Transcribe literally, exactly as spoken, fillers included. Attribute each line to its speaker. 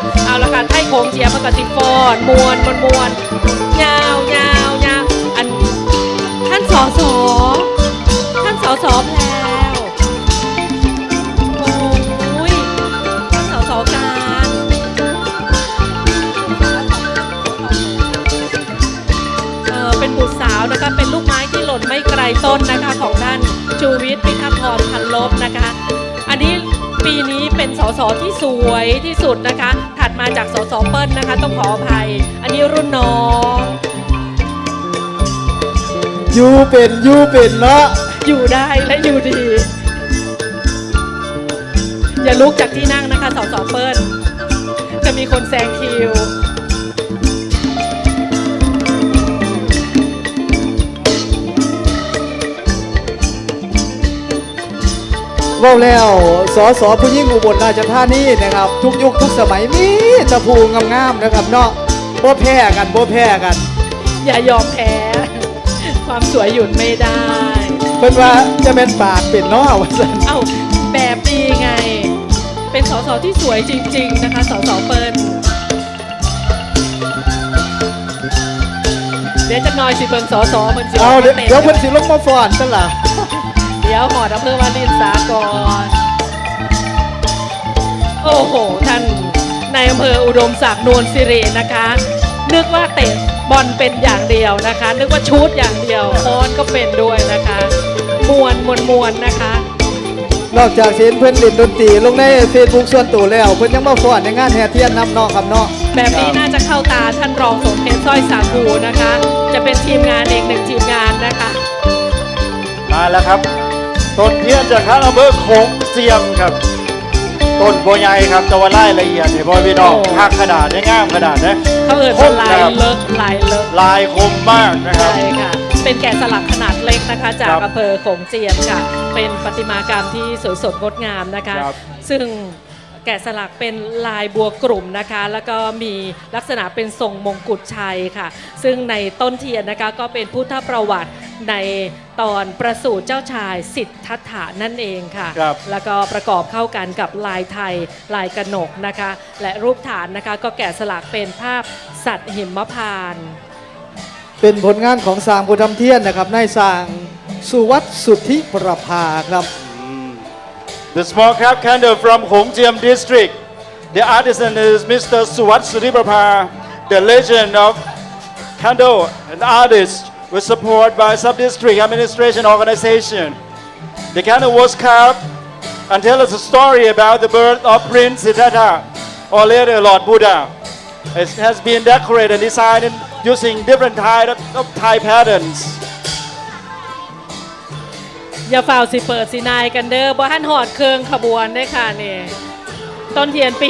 Speaker 1: เอาละค่ะไทยโขงเจียมมันก็สิฟอนมวนมวนมวนยาวยาวยาวอันท่านสอสอท่านสอสอแล้วโอ้ยท่านสอสอการเออเป็นบุตรสาวนะคะเป็นลูกไม้ที่หล่นไม่ไกลต้นนะคะของท่านชูวิทย์พิทักษ์พรพันลบนะคะอันนี้ปีนี้เป็นสสที่สวยที่สุดนะคะถัดมาจากสสเปิ้ลนะคะต้องขออภัยอันนี้รุ่นน้อง
Speaker 2: ยูเป็นยูเป็นเนาะ
Speaker 1: อยู่ได้และอยู่ดี อย่าลุกจากที่นั่งนะคะสสเปิ้ลจะมีคนแซงคิว
Speaker 2: ว่าแล้วสอสอผู้ยิ่งอุบลราชธานีนะครับทุกยุคทุกสมัยมีตะพูงามๆนะครับเนาะโบแพ้กันโบแพ้กัน
Speaker 1: อย่ายอมแพ้ความสวยหยุดไม่ได้
Speaker 2: เพิ่นว่าจะเป็นปากเป็นเนาะว่าซั่น
Speaker 1: เอ้าแบบดีไงเป็นสสที่สวยจริงๆนะคะสสเปิ้ลเดี๋ยวจะน้อยสิเบิ่งสสเพิ่นสิ
Speaker 2: เอาเดี๋ยวเพิ่นสิลงมาฟ้อนซั่นล่ะ
Speaker 1: เดี๋ยวหอดอำเภอวารินสากรโอ้โหท่านในอำเภออุดมศักดิ์นวลสิรินะคะนึกว่าเตะบอลเป็นอย่างเดียวนะคะนึกว่าชูตอย่างเดียวค้อนก็เป็นด้วยนะคะมวนมวนมวนนะคะ
Speaker 2: นอกจากเห็นเพื่อนเล่นดนตรีลงในเฟซบุ๊กส่วนตัวแล้วเพื่อนยังมาฟ้อนในงานแห่เทียนนำนอกครับเนาะ
Speaker 1: แบบนี้น่าจะเข้าตาท่านรองสมเพชรสร้อยสาคูนะคะจะเป็นทีมงานเองหนึ่งทีมงานนะคะ
Speaker 3: มาแล้วครับต้นเทียนจากข้างอำเภอโขงเจียมครับต้นโบใหญ่ครับแต่ว่าไล่ละเอียดเนี่ยพ่อพี่น้องหักขนาดได้ง่ามขนาดนะ
Speaker 1: เขาเอิญลายเลิกลายเลิก
Speaker 3: ลายคมมากนะครับ
Speaker 1: ใช่ค่ะเป็นแกะสลักขนาดเล็กนะคะจากอำเภอโขงเจียมค่ะเป็นประติมากรรมที่สวยสดงดงามนะคะซึ่งแกะสลักเป็นลายบัวกลุ่มนะคะแล้วก็มีลักษณะเป็นทรงมงกุฎชัยค่ะซึ่งในต้นเทียนนะคะก็เป็นพุทธประวัติในตอนประสูติเจ้าชายสิทธัตถะนั่นเองค่ะแล้วก็ประกอบเข้ากันกับลายไทยลายกนกนะคะและรูปฐานนะคะก็แกะสลักเป็นภาพสัตว์หิมพานต์
Speaker 2: เป็นผลงานของสร้างผู้ทำเทียนนะครับนายสร้างสุวัฒน์สุทธิประภาครับ
Speaker 3: The small cap candle from Hongjiam district. The artisan is Mister Suwat Suriprapha. The legend of candle and artist was supported by sub-district administration organization. The candle was carved and tells us a story about the birth of Prince Siddhartha or later Lord Buddha. It has been decorated and designed using different types of Thai patterns.
Speaker 1: อย่าฝ่าสิเปิดสินายกันเด้อบ่ทันหอดเครื่องขบวนได้ค่ะนี่ต้นเทียนปี